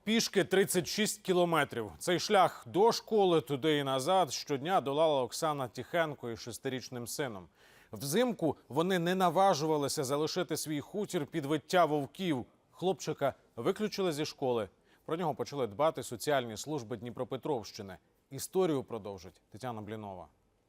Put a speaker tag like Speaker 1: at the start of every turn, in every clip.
Speaker 1: Пішки 36 кілометрів. Цей шлях до школи, туди і назад щодня долала Оксана Тихенко із 6-річним сином. Взимку вони не наважувалися залишити свій хутір під виття вовків. Хлопчика виключили зі школи. Про нього почали дбати соціальні служби Дніпропетровщини. Історію продовжить Тетяна Блінова.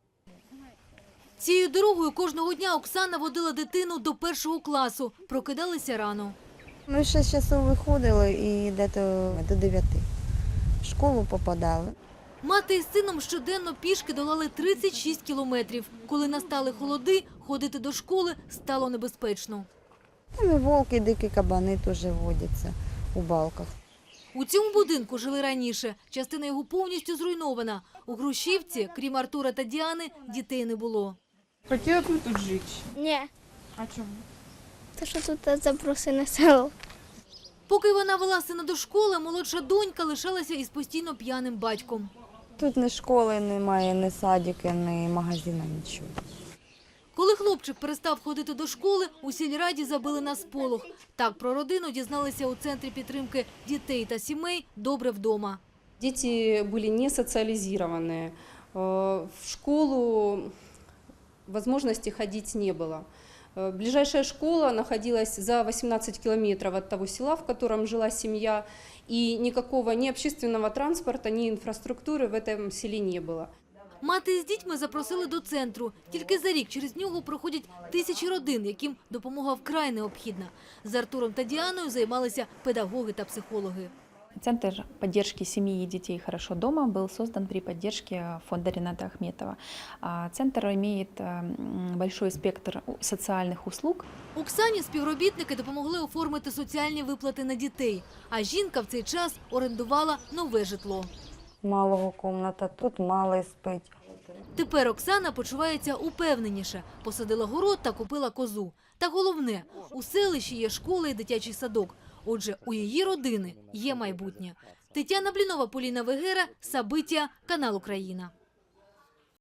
Speaker 2: Цією дорогою кожного дня Оксана водила дитину до 1 класу. Прокидалися рано.
Speaker 3: Ми в 6 часов виходили і десь до 9 в школу попадали.
Speaker 2: Мати із сином щоденно пішки долали 36 кілометрів. Коли настали холоди, ходити до школи стало небезпечно.
Speaker 3: Там і вовки, і дикі кабани теж водяться у балках.
Speaker 2: У цьому будинку жили раніше. Частина його повністю зруйнована. У Грушівці, крім Артура та Діани, дітей не було.
Speaker 4: Хотіла б ви тут жити?
Speaker 5: Ні,
Speaker 4: А чому?
Speaker 5: то що тут забросене село.
Speaker 2: Поки вона вела сина до школи, молодша донька лишалася із постійно п'яним батьком.
Speaker 3: Тут ні школи немає, ні садики, ні магазину, нічого.
Speaker 2: Коли хлопчик перестав ходити до школи, у сільраді забили на сполох. Так про родину дізналися у Центрі підтримки дітей та сімей «Добре вдома».
Speaker 6: Дети были не социализированы. В школу возможности ходить не было. Ближайшая школа находилась за 18 километров от того села, в котором жила семья, и никакого ни общественного транспорта, ни инфраструктуры в этом селе не было.
Speaker 2: Мати з дітьми запросили до центру. Тільки за рік через нього проходять тисячі родин, яким допомога вкрай необхідна. З Артуром та Діаною займалися педагоги та психологи.
Speaker 7: Центр поддержки семьи и детей «Хорошо дома» был создан при поддержке фонда Рената Ахметова. Центр имеет большой спектр социальных услуг.
Speaker 2: Оксані співробітники допомогли оформити соціальні виплати на дітей. А жінка в цей час орендувала нове житло.
Speaker 3: Малого кімната, тут малий спить.
Speaker 2: Тепер Оксана почувається упевненіше. Посадила город та купила козу. Та головне, у селищі є школа і дитячий садок. Отже, у її родини є майбутнє. Тетяна Блінова, Поліна Вегера, Сабиття, канал Україна.